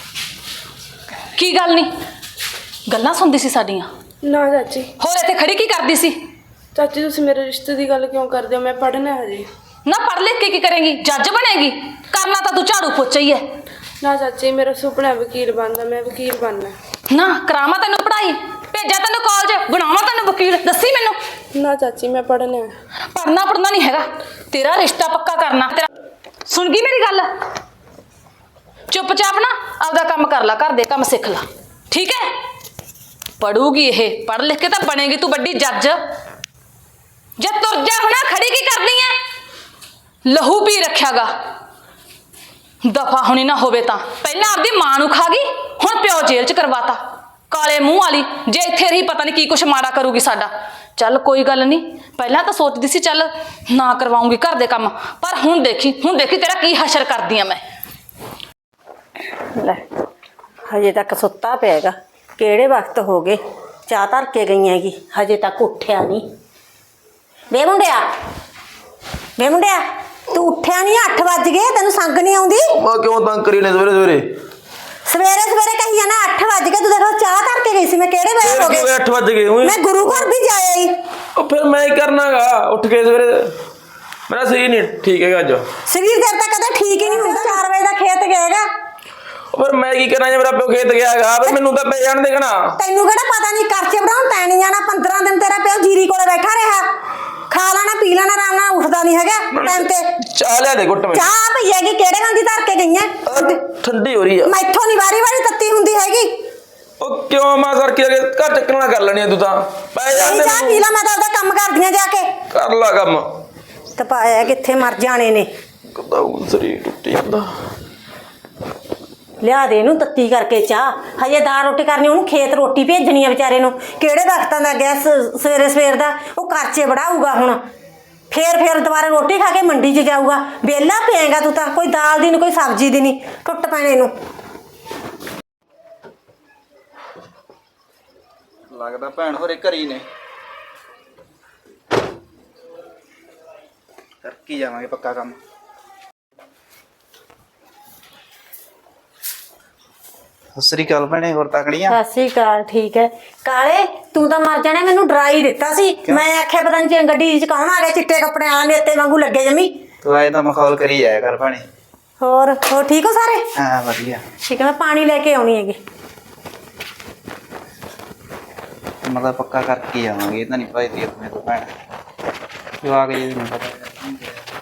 [SPEAKER 1] ਕੀ ਗੱਲ ਨਹੀਂ, ਗੱਲਾਂ ਸੁਣਦੀ ਸੀ ਸਾਡੀਆਂ?
[SPEAKER 2] ਨਾ ਚਾਚੀ।
[SPEAKER 1] ਹੋਰ ਇੱਥੇ ਖੜੀ ਕੀ ਕਰਦੀ ਸੀ?
[SPEAKER 2] ਚਾਚੀ ਤੁਸੀਂ ਮੇਰੇ ਰਿਸ਼ਤੇ ਦੀ ਗੱਲ ਕਿਉਂ ਕਰਦੇ ਹੋ? ਮੈਂ ਪੜ੍ਹਨਾ ਹਜੇ।
[SPEAKER 1] ਨਾ ਪੜ੍ਹ ਲਿਖ ਕੇ ਕੀ ਕਰੇਂਗੀ, ਜੱਜ ਬਣੇਗੀ? ਕਰਨਾ ਤਾਂ ਤੂੰ ਝਾੜੂ ਪੋਚਾ ਹੀ ਹੈ।
[SPEAKER 2] ਨਾ ਚਾਚੀ, ਮੇਰਾ ਸੁਪਨਾ ਵਕੀਲ ਬਣਦਾ, ਮੈਂ ਵਕੀਲ ਬਣਨਾ।
[SPEAKER 1] ਨਾ ਕਰਾਵਾਂ ਤੈਨੂੰ ਪੜ੍ਹਾਈ, ਭੇਜਾਂ ਤੈਨੂੰ ਕਾਲਜ, ਬਣਾਵਾਂ ਤੈਨੂੰ ਵਕੀਲ, ਦੱਸੀ ਮੈਨੂੰ।
[SPEAKER 2] ਨਾ ਚਾਚੀ, ਮੈਂ ਪੜ੍ਹਨਾ।
[SPEAKER 1] ਪੜ੍ਹਨਾ ਪੜ੍ਹਨਾ ਨਹੀਂ ਹੈਗਾ, ਤੇਰਾ ਰਿਸ਼ਤਾ ਪੱਕਾ ਕਰਨਾ ਤੇਰਾ। ਸੁਣ ਗਈ ਮੇਰੀ ਗੱਲ? ਚੁੱਪਚਾਪ ਨਾ ਆਪਦਾ ਕੰਮ ਕਰ ਲੈ, ਘਰ ਦੇ ਕੰਮ ਸਿੱਖ ਲੈ, ਠੀਕ ਹੈ? ਪੜੂਗੀ ਇਹ, ਪੜ੍ਹ ਲਿਖ ਕੇ ਤਾਂ ਬਣੇਗੀ ਤੂੰ ਵੱਡੀ ਜੱਜ। ਜੇ ਤੁਰ ਜਾ ਹੁਣ, ਖੜੀ ਕੀ ਕਰਦੀ ਐ? ਲਹੂ ਪੀ ਰੱਖਿਆਗਾ, ਦਫਾ ਹੋਣੀ ਨਾ ਹੋਵੇ ਤਾਂ। ਪਹਿਲਾਂ ਆਪਦੀ ਮਾਂ ਨੂੰ ਖਾ ਗਈ, ਹੁਣ ਪਿਓ ਜੇਲ੍ਹ 'ਚ ਕਰਵਾਤਾ, ਕਾਲੇ ਮੂੰਹ ਵਾਲੀ। ਜੇ ਇੱਥੇ ਰਹੀ ਪਤਾ ਨਹੀਂ ਕੀ ਕੁਛ ਮਾੜਾ ਕਰੂਗੀ ਸਾਡਾ। ਚੱਲ ਕੋਈ ਗੱਲ ਨਹੀਂ, ਪਹਿਲਾਂ ਤਾਂ ਸੋਚਦੀ ਸੀ ਚੱਲ ਨਾ ਕਰਵਾਉਂਗੀ ਘਰ ਦੇ ਕੰਮ, ਪਰ ਹੁਣ ਦੇਖੀ ਹੁਣ ਦੇਖੀ ਤੇਰਾ ਕੀ ਹਸ਼ਰ ਕਰਦੀ ਆ ਮੈਂ।
[SPEAKER 5] ਲੈ ਹਜੇ ਤੱਕ ਸੁੱਤਾ ਪਿਆਗਾ, ਕਿਹੜੇ ਵਕਤ ਹੋ ਗਏ, ਚਾਹ ਧਰ ਕੇ ਗਈ ਹੈਗੀ, ਹਜੇ ਤੱਕ ਉੱਠਿਆ ਨਹੀਂ। ਵੇ ਮੁੰਡਿਆ, ਵੇ ਮੁੰਡਿਆ, ਤੂੰ ਉੱਠਿਆ ਨਹੀਂ? ਅੱਠ ਵੱਜ ਗਏ, ਤੈਨੂੰ ਸੰਗ ਨਹੀਂ ਆਉਂਦੀ?
[SPEAKER 3] ਮੈਂ ਕਿਉਂ ਤੰਗ ਕਰੀ ਨੇ ਸਵੇਰੇ ਸਵੇਰੇ?
[SPEAKER 5] ਸਵੇਰੇ ਸਵੇਰੇ ਕਹੀ ਜਾਣਾ ਅੱਠ ਵੱਜ ਗਏ, ਤੂੰ ਦੇਖੋ ਚਾਹ ਧਰ ਕੇ ਗਈ ਸੀ। ਮੈਂ ਕਿਹੜੇ ਵੇਲੇ ਹੋ ਗਏ?
[SPEAKER 3] ਅੱਠ ਵੱਜ ਗਏ ਓਏ।
[SPEAKER 5] ਮੈਂ ਗੁਰੂ ਘਰ ਵੀ ਜਾਇਆ ਹੀ।
[SPEAKER 3] ਉਹ ਫਿਰ ਮੈਂ ਹੀ ਕਰਨਾਗਾ, ਉੱਠ ਕੇ ਸਵੇਰੇ। ਮੇਰਾ ਸਰੀਰ ਨਹੀਂ ਠੀਕ ਹੈਗਾ ਅੱਜ।
[SPEAKER 5] ਸਰੀਰ ਦੇਰ ਤੱਕ ਕਦੇ ਠੀਕ ਹੀ ਨਹੀਂ ਹੁੰਦਾ। ਚਾਰ ਵਜੇ ਦਾ ਖੇਤ ਗਏਗਾ।
[SPEAKER 3] ਫਿਰ ਮੈਂ ਕੀ ਕਰਾਂ ਜੇ ਮੇਰਾ ਪਿਓ ਖੇਤ ਗਿਆ ਹੈਗਾ? ਫਿਰ ਮੈਨੂੰ ਤਾਂ ਪੈ ਜਾਣ ਦੇਣਾ।
[SPEAKER 5] ਤੈਨੂੰ ਕਿਹੜਾ ਪਤਾ ਨਹੀਂ, ਕਰਚੇ ਬਣਾਉਣ ਤੈਂ ਨਹੀਂ ਜਾਣਾ। ਪੰਦਰਾਂ ਦਿਨ ਤੇਰਾ ਪਿਓ ਜੀਰੀ ਕੋਲੇ ਬੈਠਾ ਰਿਹਾ, ਖਾ ਲੈਣਾ ਪੀ ਲੈਣਾ, ਆਰਾਮ ਨਾਲ ਉੱਠਦਾ ਨਹੀਂ ਹੈਗਾ ਟਾਈਮ ਤੇ।
[SPEAKER 3] ਚਾਹ ਲਿਆ ਦੇ ਘੁੱਟ। ਮੈਂ
[SPEAKER 5] ਚਾਹ ਪਈ ਹੈਗੀ, ਕਿਹੜੇ ਗਾਂ ਦੀ ਧਰ ਕੇ ਗਈਆਂ?
[SPEAKER 3] ਠੰਡੀ ਹੋ ਰਹੀ ਆ।
[SPEAKER 5] ਮੈਥੋਂ ਨਹੀਂ ਵਾਰੀ ਵਾਰੀ ਤੱਤੀ ਹੁੰਦੀ ਹੈਗੀ।
[SPEAKER 3] ਉਹ ਕਿਉਂ ਮਾਂ ਸਰ ਕੇ ਘਰ ਚੱਕਣਾ ਕਰ ਲੈਣੀ ਤੂੰ ਤਾਂ? ਪੈ ਜਾ
[SPEAKER 5] ਨਹੀਂ ਚਾਹ ਪੀ ਲਾ, ਮੈਂ ਤਾਂ ਉਹਦਾ ਕੰਮ ਕਰਦੀਆਂ ਜਾ ਕੇ।
[SPEAKER 3] ਕਰ ਲਾ ਕੰਮ।
[SPEAKER 5] ਤਪਾਇਆ ਕਿੱਥੇ ਮਰ ਜਾਣੇ ਨੇ।
[SPEAKER 3] ਕਦਾ ਸਰੀਰ ਟੁੱਟੀ ਜਾਂਦਾ।
[SPEAKER 5] ਲਿਆ ਦੇ ਇਹਨੂੰ ਤੱਤੀ ਕਰਕੇ ਚਾਹ, ਹਜੇ ਦਾਲ ਰੋਟੀ ਕਰਨੀ, ਉਹਨੂੰ ਖੇਤ ਰੋਟੀ ਭੇਜਣੀ ਆ ਵਿਚਾਰੇ ਨੂੰ। ਕਿਹੜੇ ਵਕਤਾਂ ਦਾ ਗਿਆ ਸਵੇਰੇ ਸਵੇਰ ਦਾ, ਉਹ ਕਰਚੇ ਵੜਾਊਗਾ ਹੁਣ। ਫੇਰ ਫੇਰ ਦੁਬਾਰਾ ਰੋਟੀ ਖਾ ਕੇ ਮੰਡੀ 'ਚ ਜਾਊਗਾ। ਵਿਹਲਾ ਪਿਆਗਾ ਤੂੰ ਤਾਂ, ਕੋਈ ਦਾਲ ਦੀ ਨਹੀਂ, ਕੋਈ ਸਬਜ਼ੀ ਦੀ ਨਹੀਂ, ਟੁੱਟ ਪੈਣੇ ਨੂੰ।
[SPEAKER 4] ਲੱਗਦਾ ਭੈਣ ਹੋਰੇ ਘਰੀ ਨੇ। ਕਰ ਕੀ ਜਾਵਾਂਗੇ ਪੱਕਾ ਕੰਮ। ਸਤਿ ਸ੍ਰੀ ਅਕਾਲ ਭੈਣੇ, ਹੋਰ ਤਕੜੀਆਂ?
[SPEAKER 5] ਸਤਿ ਸ੍ਰੀ ਅਕਾਲ। ਠੀਕ ਹੈ ਕਾਲੇ, ਤੂੰ ਤਾਂ ਮਰ ਜਾਣਾ, ਮੈਨੂੰ ਡਰਾਈ ਦਿੱਤਾ ਸੀ। ਮੈਂ ਆਖਿਆ ਪਤਾ ਨਹੀਂ ਗੱਡੀ 'ਚ ਕੌਣ ਆ ਗਿਆ ਚਿੱਟੇ ਕੱਪੜੇ ਵਾਲਾ, ਨੇਤੇ ਵਾਂਗੂ ਲੱਗੇ ਜਮੀ।
[SPEAKER 4] ਤੂੰ ਆਏ ਤਾਂ ਮਖੌਲ ਕਰੀ ਜਾਇਆ ਕਰ ਭੈਣੇ।
[SPEAKER 5] ਹੋਰ ਹੋਰ ਠੀਕ ਹੋ ਸਾਰੇ?
[SPEAKER 4] ਹਾਂ ਵਧੀਆ।
[SPEAKER 5] ਠੀਕ ਹੈ, ਮੈਂ ਪਾਣੀ ਲੈ ਕੇ ਆਉਣੀ ਹੈਗੀ।
[SPEAKER 4] ਮਤਲਬ ਪੱਕਾ ਕਰਕੇ ਆਵਾਂਗੇ, ਇਹ ਤਾਂ ਨਹੀਂ ਭਾਈਦੀ ਆਪਣੇ ਤੋਂ ਭੈਣ। ਜਵਾਕ ਜੀ ਨੂੰ ਪਤਾ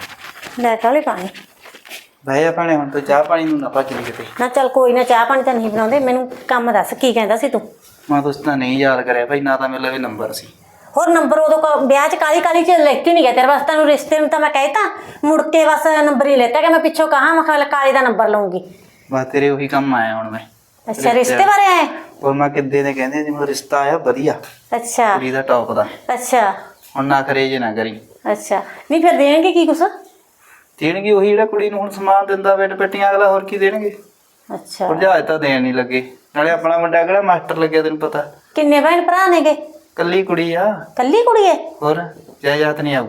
[SPEAKER 5] ਲੈ ਕਾਲੇ ਪਾਣੀ।
[SPEAKER 4] ਬਹਿ ਜਾ ਭੈਣੇ, ਹੁਣ ਤੂੰ ਚਾਹ ਪਾਣੀ ਨੂੰ ਨਾ ਭੱਜ ਲਈ ਕਿਤੇ।
[SPEAKER 5] ਨਾ ਚੱਲ ਕੋਈ ਨਾ, ਚਾਹ ਪਾਣੀ ਤਾਂ ਨਹੀਂ ਬਣਾਉਂਦੇ। ਮੈਨੂੰ ਕੰਮ ਦੱਸ, ਕੀ ਕਹਿੰਦਾ ਸੀ ਤੂੰ?
[SPEAKER 4] ਮੈਂ ਤੁਸੀਂ ਤਾਂ ਨਹੀਂ ਯਾਦ ਕਰਿਆ ਭਾਈ, ਨਾ ਤਾਂ ਮੇਰੇ ਲਵੇ ਨੰਬਰ ਸੀ।
[SPEAKER 5] ਹੋਰ ਨੰਬਰ ਉਦੋਂ ਕ- ਵਿਆਹ 'ਚ ਕਾਲੀ ਕਾਲੀ 'ਚ ਲੈਤੀ ਨਹੀਂ ਗਿਆ ਤੇਰੇ ਵਾਸਤੇ। ਤੈਨੂੰ ਰਿਸ਼ਤੇ ਨੂੰ ਤਾਂ ਮੈਂ ਕਹਿਤਾ, ਮੁੜ ਕੇ ਬਸ ਨੰਬਰ ਹੀ ਲੈਤਾ ਕਿ ਮੈਂ ਪਿੱਛੋਂ ਕਹਾਂ ਮੈਂ ਕਿਹਾ ਕਾਲੀ ਦਾ ਨੰਬਰ ਲਊਂਗੀ।
[SPEAKER 4] ਬਸ ਤੇਰੇ ਉਹੀ ਕੰਮ ਆਇਆ ਹੁਣ ਮੈਂ।
[SPEAKER 5] ਅੱਛਾ, ਰਿਸ਼ਤੇ ਬਾਰੇ ਆਏ?
[SPEAKER 4] ਹੋਰ ਮੈਂ ਕਿੱਦੇ ਦੇ ਕਹਿੰਦੇ ਸੀ, ਮੈਨੂੰ ਰਿਸ਼ਤਾ ਆਇਆ ਵਧੀਆ,
[SPEAKER 5] ਅੱਛਾ
[SPEAKER 4] ਕੁੜੀ ਦਾ ਟੌਪ ਦਾ।
[SPEAKER 5] ਅੱਛਾ
[SPEAKER 4] ਹੁਣ ਨਾ ਕਰੇ ਜੇ ਨਾ ਕਰੀ।
[SPEAKER 5] ਅੱਛਾ, ਨਹੀਂ ਫਿਰ ਦੇਣਗੇ ਕੀ ਕੁਛ?
[SPEAKER 4] ਦੇਣਗੇ ਉਹੀ ਜਿਹੜਾ ਕੁੜੀ ਨੂੰ ਹੁਣ ਸਮਾਨ ਦਿੰਦਾ ਬੈਡ ਪੱਟੀਆਂ, ਅਗਲਾ ਹੋਰ ਕੀ ਦੇਣਗੇ।
[SPEAKER 5] ਅੱਛਾ,
[SPEAKER 4] ਭਰਜਾਏ ਤਾਂ ਦੇਣ ਨਹੀਂ ਲੱਗੇ। ਨਾਲੇ ਆਪਣਾ ਮੁੰਡਾ ਕਿਹੜਾ ਮਾਸਟਰ ਲੱਗਿਆ ਤੈਨੂੰ ਪਤਾ।
[SPEAKER 5] ਕਿੰਨੇ ਭੈਣ ਭਰਾ ਨੇਗੇ?
[SPEAKER 4] ਕੱਲੀ ਕੁੜੀ ਆ।
[SPEAKER 5] ਕੱਲੀ ਕੁੜੀ ਹੈ?
[SPEAKER 4] ਹੋਰ ਜਾਇਦਾਦ ਨਹੀਂ ਆਊ।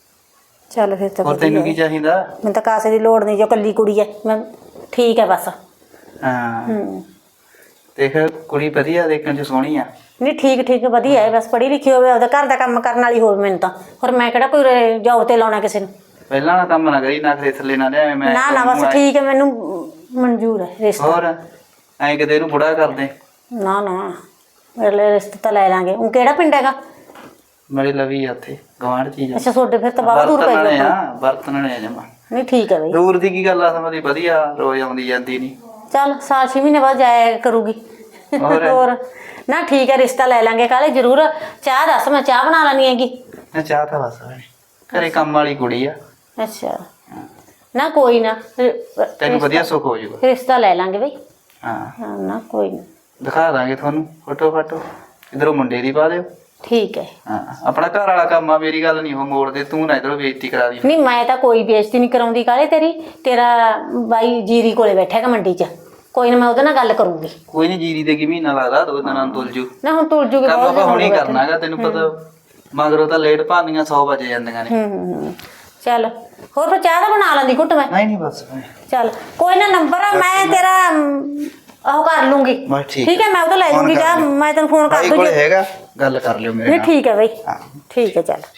[SPEAKER 5] ਚੱਲ ਫਿਰ ਤਾਂ
[SPEAKER 4] ਹੋਰ
[SPEAKER 5] ਵਧੀਆ
[SPEAKER 4] ਤੈਨੂੰ
[SPEAKER 5] ਹੈ।
[SPEAKER 4] ਕੀ ਚਾਹੀਦਾ?
[SPEAKER 5] ਮੈਨੂੰ ਤਾਂ ਕਾਸੇ ਦੀ ਲੋੜ ਨਹੀਂ, ਜੋ ਕੱਲੀ ਕੁੜੀ ਹੈ ਮੈਂ ਠੀਕ ਹੈ ਬਸ।
[SPEAKER 4] ਹਾਂ
[SPEAKER 5] ਹੂੰ,
[SPEAKER 4] ਦੇਖ ਕੁੜੀ ਵਧੀਆ, ਦੇਖਣ ਚ ਸੋਹਣੀ ਆ।
[SPEAKER 5] ਨਹੀਂ ਠੀਕ ਠੀਕ ਵਧੀਆ ਹੈ, ਬਸ ਪੜ੍ਹੀ ਲਿਖੀ ਹੋਵੇ, ਉਹਦਾ ਘਰ ਦਾ ਕੰਮ ਕਰਨ ਵਾਲੀ ਹੋਵੇ। ਮੈਨੂੰ ਤਾਂ ਹੋਰ ਮੈਂ ਕਿਹੜਾ ਕੋਈ ਜੋਬ ਤੇ ਲਾਉਣਾ ਕਿਸੇ ਨੂੰ।
[SPEAKER 4] ਪਹਿਲਾਂ ਵਾਲਾ ਕੰਮ ਨਾ ਕਰੀ, ਨਾ ਖਰੇ ਥੱਲੇ ਨਾ ਲਿਆਵੇਂ। ਮੈਂ
[SPEAKER 5] ਨਾ ਨਾ ਬਸ ਠੀਕ ਹੈ, ਮੈਨੂੰ ਮਨਜ਼ੂਰ ਹੈ ਰਿਸ਼ਤਾ।
[SPEAKER 4] ਹੋਰ ਐਂ ਕਿਤੇ ਇਹਨੂੰ ਬੁੜਾ ਕਰਦੇ।
[SPEAKER 5] ਨਾ ਨਾ ਮੇਰੇ ਲਈ ਰਿਸ਼ਤਾ ਤਾਂ ਲੈ ਲਾਂਗੇ। ਉਹ ਕਿਹੜਾ ਪਿੰਡ ਹੈਗਾ?
[SPEAKER 4] ਮੇਰੇ ਲਵੀ ਆ ਉੱਥੇ ਗਵਾਂਢ ਚੀਜ਼।
[SPEAKER 5] ਅੱਛਾ, ਤੁਹਾਡੇ ਫਿਰ ਤਾਂ ਬਾਹਲਾ ਦੂਰ ਪੈ
[SPEAKER 4] ਵਰਤਣ
[SPEAKER 5] ਗਿਆ।
[SPEAKER 4] ਆ ਵਰਤਣ ਨੇ ਜਮਾ।
[SPEAKER 5] ਨਹੀਂ ਠੀਕ ਹੈ ਬਈ।
[SPEAKER 4] ਦੂਰ ਦੀ ਕੀ ਗੱਲ ਆ, ਸਮਝਦੀ ਵਧੀਆ, ਰੋਜ਼ ਆਉਂਦੀ ਜਾਂਦੀ ਨਹੀਂ।
[SPEAKER 5] ਚੱਲ ਸਾਲ ਛੇ ਮਹੀਨੇ ਬਾਅਦ ਜਾਇਆ ਕਰੂਗੀ।
[SPEAKER 4] ਹੋਰ?
[SPEAKER 5] ਹੋਰ ਨਾ ਠੀਕ ਹੈ, ਰਿਸ਼ਤਾ ਲੈ ਲਾਂਗੇ ਕਾਲੇ ਜ਼ਰੂਰ। ਚਾਹ ਦੱਸ, ਮੈਂ ਚਾਹ ਬਣਾ ਲੈਣੀ ਹੈਗੀ।
[SPEAKER 4] ਨਾ ਚਾਹ ਤਾਂ ਬਸ ਘਰੇ ਕੰਮ ਵਾਲੀ ਕੁੜੀ ਆ।
[SPEAKER 5] ਅੱਛਾ, ਨਾ ਕੋਈ ਨਾ,
[SPEAKER 4] ਤੈਨੂੰ ਵਧੀਆ ਸੁੱਖ ਹੋ ਜਾਊਗਾ।
[SPEAKER 5] ਰਿਸ਼ਤਾ ਲੈ ਲਾਂਗੇ ਬਈ।
[SPEAKER 4] ਹਾਂ
[SPEAKER 5] ਹਾਂ ਨਾ ਕੋਈ ਨਾ,
[SPEAKER 4] ਦਿਖਾ ਦਾਂਗੇ ਤੁਹਾਨੂੰ ਫੋਟੋ ਫਾਟੋ। ਇਧਰੋਂ ਮੁੰਡੇ ਦੀ ਪਾ ਦਿਓ।
[SPEAKER 5] ਠੀਕ ਹੈ।
[SPEAKER 4] ਹਾਂ ਆਪਣਾ ਘਰ ਵਾਲਾ ਕੰਮ ਆ, ਮੇਰੀ ਗੱਲ ਨਹੀਂ ਉਹ ਮੋੜਦੇ। ਤੂੰ ਨਾ ਇਧਰੋਂ ਬੇਇੱਜ਼ਤੀ ਕਰਾ ਦੀ।
[SPEAKER 5] ਨਹੀਂ ਮੈਂ ਤਾਂ ਕੋਈ ਬੇਇੱਜ਼ਤੀ ਨਹੀਂ ਕਰਾਉਂਦੀ ਕਾਲੇ ਤੇਰੀ। ਤੇਰਾ ਬਾਈ ਜੀਰੀ ਕੋਲੇ ਬੈਠਾ ਹੈਗਾ ਮੰਡੀ 'ਚ, ਕੋਈ ਨਾ ਮੈਂ ਉਹਦੇ ਨਾਲ ਗੱਲ ਕਰੂੰਗੀ।
[SPEAKER 4] ਕੋਈ ਨਹੀਂ, ਜੀਰੀ ਦੇ ਕੀ ਮਹੀਨਾ ਲੱਗਦਾ, ਦੋ ਦਿਨਾਂ ਨੂੰ ਤੁਲ ਜੂ।
[SPEAKER 5] ਨਾ ਹੁਣ ਤੁਰ ਜੂਗੀ
[SPEAKER 4] ਕੰਮ
[SPEAKER 5] ਬਹੁਤ
[SPEAKER 4] ਆਪਾਂ ਹੁਣੀ ਕਰਨਾ ਹੈਗਾ, ਤੈਨੂੰ ਪਤਾ। ਮਗਰੋਂ ਤਾਂ ਲੇਟ ਭਾਂਦੀਆਂ ਸੌ ਵਜੇ ਜਾਂਦੀਆਂ ਨੇ।
[SPEAKER 5] ਹੂੰ ਹੂੰ ਹੂੰ। ਚੱਲ ਹੋਰ ਫਿਰ ਚਾਹ ਤਾਂ ਬਣਾ ਲੈਂਦੀ ਘੁੱਟ ਮੈਂ।
[SPEAKER 4] ਨਹੀਂ ਨਹੀਂ ਬਸ
[SPEAKER 5] ਚੱਲ ਕੋਈ ਨਾ, ਨੰਬਰ ਆ ਮੈਂ ਤੇਰਾ ਅਮ, ਉਹ ਕਰ ਲੂੰਗੀ।
[SPEAKER 4] ਬਸ ਠੀਕ
[SPEAKER 5] ਠੀਕ ਹੈ, ਮੈਂ ਉਹਦਾ ਲੈ
[SPEAKER 4] ਫੋਨ
[SPEAKER 5] ਲੂੰਗੀ
[SPEAKER 4] ਕਰ
[SPEAKER 5] ਚਾਹ।
[SPEAKER 4] ਲਿਓ।
[SPEAKER 5] ਮੈਂ ਤੈਨੂੰ ਫੋਨ ਕਰ
[SPEAKER 4] ਭਾਈ
[SPEAKER 5] ਦੂੰਗੀ।
[SPEAKER 4] ਕੋਲੇ ਹੈਗਾ, ਗੱਲ ਕਰ ਲਿਓ ਮੇਰੇ
[SPEAKER 5] ਨਹੀਂ
[SPEAKER 4] ਨਾਲ।
[SPEAKER 5] ਠੀਕ ਹੈ ਬਈ,
[SPEAKER 4] ਹਾਂ
[SPEAKER 5] ਠੀਕ ਹੈ। ਚੱਲ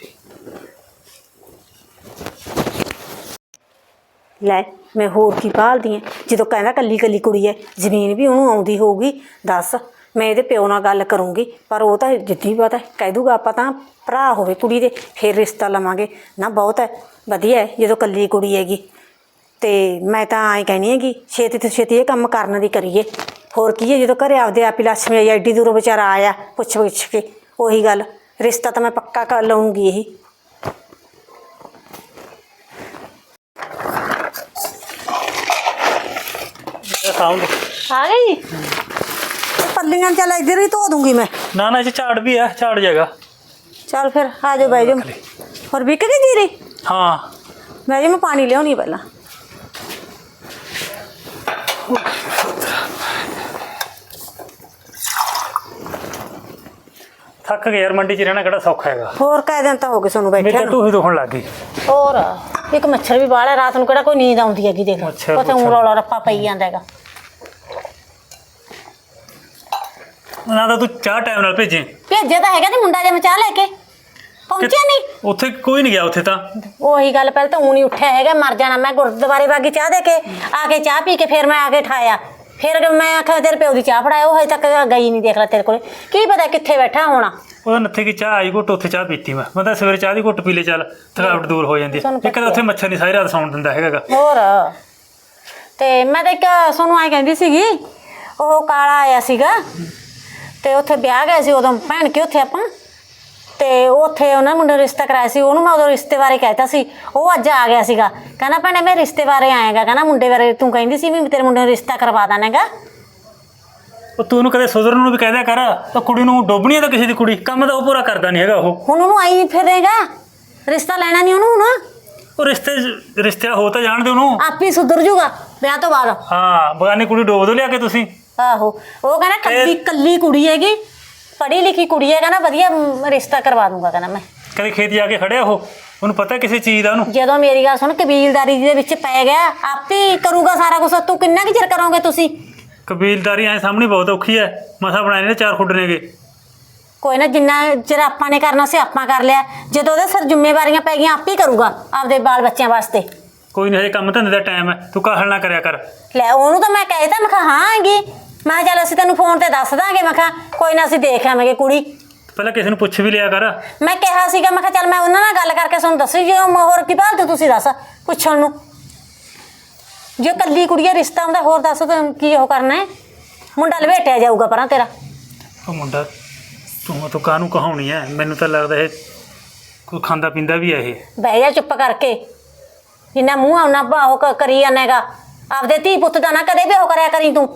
[SPEAKER 5] ਲੈ, ਮੈਂ ਹੋਰ ਕੀ ਭਾਲਦੀ ਐ? ਜਦੋਂ ਕਹਿੰਦਾ ਕੱਲੀ ਕੱਲੀ ਕੁੜੀ ਐ, ਜ਼ਮੀਨ ਵੀ ਉਹਨੂੰ ਆਉਂਦੀ ਹੋਊਗੀ। ਦੱਸ, ਮੈਂ ਇਹਦੇ ਪਿਓ ਨਾਲ ਗੱਲ ਕਰੂੰਗੀ, ਪਰ ਉਹ ਤਾਂ ਜਿੱਦੀ ਪਤਾ ਕਹਿ ਦੂਗਾ ਆਪਾਂ ਤਾਂ ਭਰਾ ਹੋਵੇ ਕੁੜੀ ਦੇ ਫਿਰ ਰਿਸ਼ਤਾ ਲਵਾਂਗੇ। ਨਾ ਬਹੁਤ ਹੈ, ਵਧੀਆ ਹੈ ਜਦੋਂ ਕੱਲੀ ਕੁੜੀ ਹੈਗੀ। ਅਤੇ ਮੈਂ ਤਾਂ ਐਂ ਕਹਿੰਦੀ ਹੈਗੀ ਛੇਤੀ ਤੋਂ ਛੇਤੀ ਇਹ ਕੰਮ ਕਰਨ ਦੀ ਕਰੀਏ। ਹੋਰ ਕੀ ਹੈ, ਜਦੋਂ ਘਰੇ ਆਪਦੇ ਆਪ ਹੀ ਲੱਛਮੀ ਆਈ, ਐਡੀ ਦੂਰੋਂ ਵਿਚਾਰਾ ਆਇਆ ਪੁੱਛ ਪੁੱਛ ਕੇ। ਉਹੀ ਗੱਲ, ਰਿਸ਼ਤਾ ਤਾਂ ਮੈਂ ਪੱਕਾ ਕਰ ਲਊਂਗੀ। ਇਹੀ ਆ ਗਈ ਪੱਲੀਆਂ। ਚੱਲ ਇੱਧਰ ਹੀ ਧੋ ਦੂੰਗੀ ਮੈਂ।
[SPEAKER 6] ਨਾ ਨਾ, ਇਹ 'ਚ ਝਾੜ ਵੀ ਹੈ, ਝਾੜ ਜਾਏਗਾ।
[SPEAKER 5] ਚੱਲ ਫਿਰ ਆ ਜਾਓ, ਬਹਿ ਜਾਓ। ਹੋਰ ਵਿਕ ਗਈ ਜੀਰੀ?
[SPEAKER 6] ਹਾਂ
[SPEAKER 5] ਬਹਿ ਜਾਓ, ਮੈਂ ਪਾਣੀ ਲਿਆਉਣੀ ਪਹਿਲਾਂ।
[SPEAKER 6] ਥੱਕ ਗਿਆ ਯਾਰ, ਮੰਡੀ 'ਚ ਰਹਿਣਾ ਕਿਹੜਾ ਸੌਖਾ ਹੈਗਾ।
[SPEAKER 5] ਹੋਰ ਕਾਹ ਦਿਨ ਤਾਂ ਹੋ ਗਏ ਤੁਹਾਨੂੰ
[SPEAKER 6] ਮੇਰੇ
[SPEAKER 5] ਬੈਠਿਆ
[SPEAKER 6] ਤਾਂ
[SPEAKER 5] ਨੂੰ।
[SPEAKER 6] ਟੂਹੀ ਦੁਖਣ ਲੱਗ ਗਈ।
[SPEAKER 5] ਹੋਰ ਇੱਕ ਮੱਛਰ ਵੀ ਬਾਹਲਾ, ਰਾਤ ਨੂੰ ਕਿਹੜਾ ਕੋਈ ਨੀਂਦ ਆਉਂਦੀ ਹੈਗੀ। ਦੇਖ
[SPEAKER 6] ਮੱਛਰ-
[SPEAKER 5] ਉੱਥੇ ਊਂ
[SPEAKER 6] ਮੱਛਰ।
[SPEAKER 5] ਰੌਲਾ ਰੱਪਾ ਪਈ ਜਾਂਦਾ ਹੈਗਾ।
[SPEAKER 6] ਨਾ ਤਾਂ ਤੂੰ ਚਾਹ ਟਾਈਮ ਨਾਲ ਭੇਜੇ।
[SPEAKER 5] ਭੇਜਿਆ ਤਾਂ ਹੈਗਾ ਤੇ ਮੁੰਡਾ ਜੇ ਮੈਂ ਚਾਹ ਲੈ ਕੇ ਪਹੁੰਚਿਆ ਨਹੀਂ।
[SPEAKER 6] ਉੱਥੇ ਕੋਈ ਨਹੀਂ ਗਿਆ ਉੱਥੇ ਤਾਂ।
[SPEAKER 5] ਉਹੀ ਗੱਲ, ਪਹਿਲਾਂ ਤਾਂ ਊਂ ਨਹੀਂ ਉੱਠਿਆ ਹੈਗਾ, ਮਰ ਜਾਣਾ ਮੈਂ। ਗੁਰਦੁਆਰੇ ਵਾਗੀ ਚਾਹ ਦੇ ਕੇ ਆ ਕੇ ਚਾਹ ਪੀ ਕੇ ਫਿਰ ਮੈਂ ਆ ਕੇ ਠਾਇਆ। ਫਿਰ ਮੈਂ ਆਖਿਆ ਤੇਰੇ ਪਿਓ ਦੀ ਚਾਹ ਫੜਾਇਆ, ਉਹ ਹਜੇ ਤੱਕ ਗਈ ਨਹੀਂ। ਦੇਖ ਲੈ ਤੇਰੇ ਕੋਲ ਕੀ ਪਤਾ ਕਿੱਥੇ ਬੈਠਾ ਹੋਣਾ।
[SPEAKER 6] ਉਹਦਾ ਨੱਥੇ ਕੀ ਚਾਹ ਆਈ ਘੁੱਟ, ਉੱਥੇ ਚਾਹ ਪੀਤੀ ਮੈਂ। ਮੈਂ ਤਾਂ ਸਵੇਰੇ ਚਾਹ ਦੀ ਘੁੱਟ ਪੀ ਲੈ, ਚੱਲ ਥਕਾਵਟ ਦੂਰ ਹੋ ਜਾਂਦੀ ਹੈ। ਇੱਕ ਤਾਂ ਉੱਥੇ ਮੱਛਰ ਨਹੀਂ ਸਾਰੀ ਰਾਤ ਸੌਣ ਦਿੰਦਾ ਹੈਗਾ ਗਾ।
[SPEAKER 5] ਹੋਰ ਤੇ ਮੈਂ ਤਾਂ ਇੱਕ ਤੁਹਾਨੂੰ ਐਂ ਕਹਿੰਦੀ ਸੀਗੀ, ਉਹ ਕਾਲਾ ਆਇਆ ਸੀਗਾ ਤੇ ਉੱਥੇ ਵਿਆਹ ਗਏ ਸੀ ਉਦੋਂ ਭੈਣ ਕੇ ਉੱਥੇ ਆਪਾਂ, ਤੇ ਉੱਥੇ ਉਹਨਾਂ ਮੁੰਡੇ ਨੂੰ ਰਿਸ਼ਤਾ ਕਰਾਇਆ ਸੀ। ਉਹਨੂੰ ਮੈਂ ਉਦੋਂ ਰਿਸ਼ਤੇ ਬਾਰੇ ਕਹਿਤਾ ਸੀ, ਉਹ ਅੱਜ ਆ ਗਿਆ ਸੀਗਾ। ਕਹਿੰਦਾ ਭੈਣੇ ਮੈਂ ਰਿਸ਼ਤੇ ਬਾਰੇ ਆਏਗਾ, ਕਹਿੰਦਾ ਮੁੰਡੇ ਬਾਰੇ ਤੂੰ ਕਹਿੰਦੀ ਸੀ ਵੀ ਤੇਰੇ ਮੁੰਡੇ ਨੂੰ ਰਿਸ਼ਤਾ ਕਰਵਾ ਦਾਂਗਾ।
[SPEAKER 6] ਉਹ ਤੂੰ ਉਹਨੂੰ ਕਦੇ ਸੁਧਰਨ ਨੂੰ ਵੀ ਕਹਿ ਦਿਆ ਕਰ। ਤਾਂ ਕੁੜੀ ਨੂੰ ਡੋਬਣੀ ਹੈ ਤਾਂ ਕਿਸੇ ਦੀ ਕੁੜੀ, ਕੰਮ ਤਾਂ ਉਹ ਪੂਰਾ ਕਰਦਾ ਨਹੀਂ ਹੈਗਾ ਉਹ।
[SPEAKER 5] ਹੁਣ ਉਹਨੂੰ ਆਈ ਫਿਰੇਗਾ, ਰਿਸ਼ਤਾ ਲੈਣਾ ਨਹੀਂ ਉਹਨੂੰ ਹੁਣ।
[SPEAKER 6] ਉਹ ਰਿਸ਼ਤੇ ਰਿਸ਼ਤਿਆ ਹੋ ਤਾਂ ਜਾਣ ਦੇ ਉਹਨੂੰ।
[SPEAKER 5] ਆਪ ਹੀ ਸੁਧਰ ਜੂਗਾ ਵਿਆਹ ਤੋਂ ਬਾਅਦ।
[SPEAKER 6] ਹਾਂ, ਬਗਾਨੀ ਕੁੜੀ ਡੋਬ ਦੋ ਲਿਆ ਕੇ ਤੁਸੀਂ।
[SPEAKER 5] ਆਹੋ, ਉਹ ਕਹਿੰਦਾ ਕੱਲੀ ਕੱਲੀ ਕੁੜੀ ਹੈਗੀ, ਪੜ੍ਹੀ ਲਿਖੀ ਕੁੜੀ ਹੈ, ਕਹਿੰਦਾ ਵਧੀਆ ਮ, ਰਿਸ਼ਤਾ ਕਰਵਾ ਦੂੰਗਾ ਕਹਿੰਦਾ ਮੈਂ।
[SPEAKER 6] ਕਦੇ ਖੇਤ ਜਾ ਕੇ ਖੜਿਆ ਉਹ, ਉਹਨੂੰ ਪਤਾ ਕਿਸੇ ਚੀਜ਼ ਦਾ ਉਹਨੂੰ।
[SPEAKER 5] ਜਦੋਂ ਮੇਰੀ ਗੱਲ ਸੁਣ ਕਬੀਲਦਾਰੀ ਦੇ ਵਿੱਚ ਪੈ ਗਿਆ ਆਪੇ ਹੀ ਕਰੂਗਾ ਸਾਰਾ ਕੁਝ। ਤੂੰ ਕਿੰਨਾ ਕੁ ਚਿਰ ਕਰੋਗੇ ਤੁਸੀਂ?
[SPEAKER 6] ਕਬੀਲਦਾਰੀ ਐ ਸਾਹਮਣੇ ਬਹੁਤ ਔਖੀ ਐ, ਮਸਾ ਬਣਾਏ ਨੇ ਚਾਰ ਖੁੱਡ ਨੇਗੇ।
[SPEAKER 5] ਕੋਈ ਨਾ, ਜਿੰਨਾ ਚਿਰ ਆਪਾਂ ਨੇ ਕਰਨਾ ਸੀ ਆਪਾਂ ਕਰ ਲਿਆ। ਜਦੋਂ ਉਹਦੇ ਸਿਰ ਜ਼ਿੰਮੇਵਾਰੀਆਂ ਪੈ ਗਈਆਂ ਆਪੇ ਹੀ ਕਰੂਗਾ ਆਪਦੇ ਬਾਲ ਬੱਚਿਆਂ ਵਾਸਤੇ।
[SPEAKER 6] ਕੋਈ ਨਹੀਂ, ਹਜੇ ਕੰਮ ਧੰਦੇ ਦਾ ਟਾਈਮ ਹੈ, ਤੂੰ ਕਾਹਲ ਨਾ ਕਰਿਆ ਕਰ।
[SPEAKER 5] ਲੈ ਉਹਨੂੰ ਤਾਂ ਮੈਂ ਕਹਿ ਤਾ, ਮੈਂ ਕਿਹਾ ਹਾਂ ਹੈਗੀ, ਮੈਂ ਕਿਹਾ ਚੱਲ ਅਸੀਂ ਤੈਨੂੰ ਫੋਨ ਤੇ ਦੱਸ ਦਾਂਗੇ, ਮੈਂ ਕਿਹਾ ਕੋਈ ਨਾ ਅਸੀਂ ਦੇਖ ਆਵਾਂਗੇ ਕੁੜੀ।
[SPEAKER 6] ਪਹਿਲਾਂ ਕਿਸੇ ਨੂੰ ਪੁੱਛ ਵੀ ਲਿਆ ਕਰ।
[SPEAKER 5] ਮੈਂ ਕਿਹਾ ਸੀਗਾ, ਮੈਂ ਕਿਹਾ ਚੱਲ ਮੈਂ ਉਹਨਾਂ ਨਾਲ ਗੱਲ ਕਰਕੇ ਤੁਹਾਨੂੰ ਦੱਸੀ, ਜੇ ਉਹ ਹੋਰ ਕੀ ਭਾਲਦੇ ਤੁਸੀਂ ਦੱਸ ਪੁੱਛਣ ਨੂੰ। ਜੇ ਕੱਲੀ ਕੁੜੀ ਦਾ ਰਿਸ਼ਤਾ ਹੁੰਦਾ ਹੋਰ ਦੱਸ ਤੂੰ ਕੀ ਉਹ ਕਰਨਾ ਹੈ? ਮੁੰਡਾ ਲਵੇਟਿਆ ਜਾਊਗਾ ਪਰਾਂ ਤੇਰਾ।
[SPEAKER 6] ਉਹ ਮੁੰਡਾ ਤੂੰ ਤੂੰ ਕਾਹਨੂੰ ਕਹਾਉਣੀ ਐ? ਮੈਨੂੰ ਤਾਂ ਲੱਗਦਾ ਇਹ ਕੋਈ ਖਾਂਦਾ ਪੀਂਦਾ ਵੀ ਐ ਇਹ।
[SPEAKER 5] ਬਹਿ ਜਾ ਚੁੱਪ ਕਰਕੇ, ਜਿੰਨਾ ਮੂੰਹ ਆਉਣਾ ਉਹ ਕ- ਕਰੀ ਜਾਣੇਗਾ। ਆਪਦੇ ਧੀ ਪੁੱਤ ਦਾ ਨਾ ਕਦੇ ਵੀ ਉਹ ਕਰਿਆ ਕਰੀ ਤੂੰ।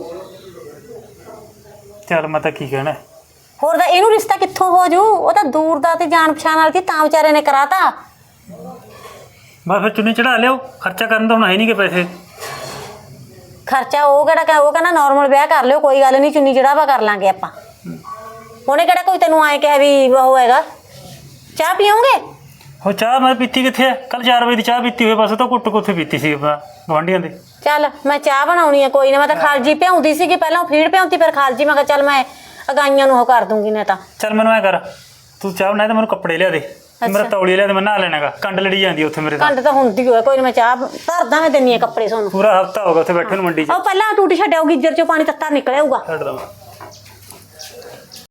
[SPEAKER 6] ਚੱਲ ਮੈਂ ਤਾਂ ਕੀ ਕਹਿਣਾ।
[SPEAKER 5] ਹੋਰ ਤਾਂ ਇਹਨੂੰ ਰਿਸ਼ਤਾ ਕਿੱਥੋਂ ਹੋ ਜੂ? ਉਹ ਤਾਂ ਦੂਰ ਦਾ ਤੇ ਜਾਣ ਪਛਾਣ ਵਾਲੀ ਸੀ, ਤਾਂ ਵਿਚਾਰੇ ਨੇ ਕਰਾਤਾ।
[SPEAKER 6] ਬਸ ਫਿਰ ਚੁੰਨੀ ਚੜਾ ਲਿਓ, ਖਰਚਾ ਕਰਨ ਤਾਂ ਹੁਣ ਹੈ ਨਹੀਂ ਕਿ ਪੈਸੇ।
[SPEAKER 5] ਖਰਚਾ ਉਹ ਕਿਹੜਾ ਕਹਿ- ਉਹ ਕਹਿੰਦਾ ਨਾਰਮਲ ਵਿਆਹ ਕਰ ਲਿਓ, ਕੋਈ ਗੱਲ ਨਹੀਂ, ਚੁੰਨੀ ਚੜਾਵਾ ਕਰ ਲਾਂਗੇ ਆਪਾਂ। ਉਹਨੇ ਕਿਹੜਾ ਕੋਈ ਤੈਨੂੰ ਆਏ ਕਿਹਾ ਵੀ ਉਹ ਹੈਗਾ। ਚਾਹ ਪੀਓਗੇ?
[SPEAKER 6] ਹੋ ਚਾਹ ਮੈਂ ਪੀਤੀ ਕਿੱਥੇ ਐ? ਕੱਲ ਚਾਰ ਵਜੇ ਦੀ ਚਾਹ ਪੀਤੀ ਹੋਏ, ਬਸ ਉਹ ਤਾਂ ਕੁੱਟ ਕੁੱਥੇ ਪੀਤੀ ਸੀ ਆਪਾਂ ਗੁਆਂਢੀਆਂ ਦੇ।
[SPEAKER 5] ਚੱਲ ਮੈਂ ਚਾਹ ਬਣਾਉਣੀ ਹੈ, ਕੋਈ ਨਾ। ਮੈਂ ਤਾਂ ਖਾਲਜੀ ਭਿਉਂਦੀ ਸੀਗੀ ਪਹਿਲਾਂ, ਉਹ ਫੀਡ ਭਿਉਂਤੀ, ਫਿਰ ਖਾਲਜੀ ਮੈਂ ਕਿਹਾ ਚੱਲ ਮੈਂ ਅਗਾਈਆਂ ਨੂੰ ਉਹ ਕਰ ਦੂੰਗੀ ਨੇ ਤਾਂ।
[SPEAKER 6] ਚੱਲ ਮੈਨੂੰ ਐ ਕਰ, ਤੂੰ ਚਾਹ ਬਣਾਏ ਤਾਂ ਮੈਨੂੰ ਕੱਪੜੇ ਲਿਆ ਦੇ, ਮੇਰਾ ਤੌਲੀ ਲਿਆ ਦੇ, ਮੈਂ ਨਹਾ ਲੈਣਾਗਾ। ਕੰਡ ਲੜੀ ਜਾਂਦੀ ਉੱਥੇ ਮੇਰੇ ਤਾਂ।
[SPEAKER 5] ਕੰਡ ਤਾਂ ਹੁੰਦੀ ਹੋਏ, ਕੋਈ ਨਾ ਮੈਂ ਚਾਹ ਧਰਦਾ, ਮੈਂ ਦਿੰਨੀ ਆ ਕੱਪੜੇ ਤੁਹਾਨੂੰ।
[SPEAKER 6] ਪੂਰਾ ਹਫਤਾ ਹੋ ਗਿਆ ਉੱਥੇ ਬੈਠੇ ਨੂੰ ਮੰਡੀ 'ਚ।
[SPEAKER 5] ਉਹ ਪਹਿਲਾਂ ਟੂਟੀ ਛੱਡਿਓ, ਗਿੱਜਰ ਚੋਂ ਪਾਣੀ ਤੱਤਾ ਨਿਕਲਿਆਊਗਾ।
[SPEAKER 6] ਛੱਡ ਦਵਾਂ।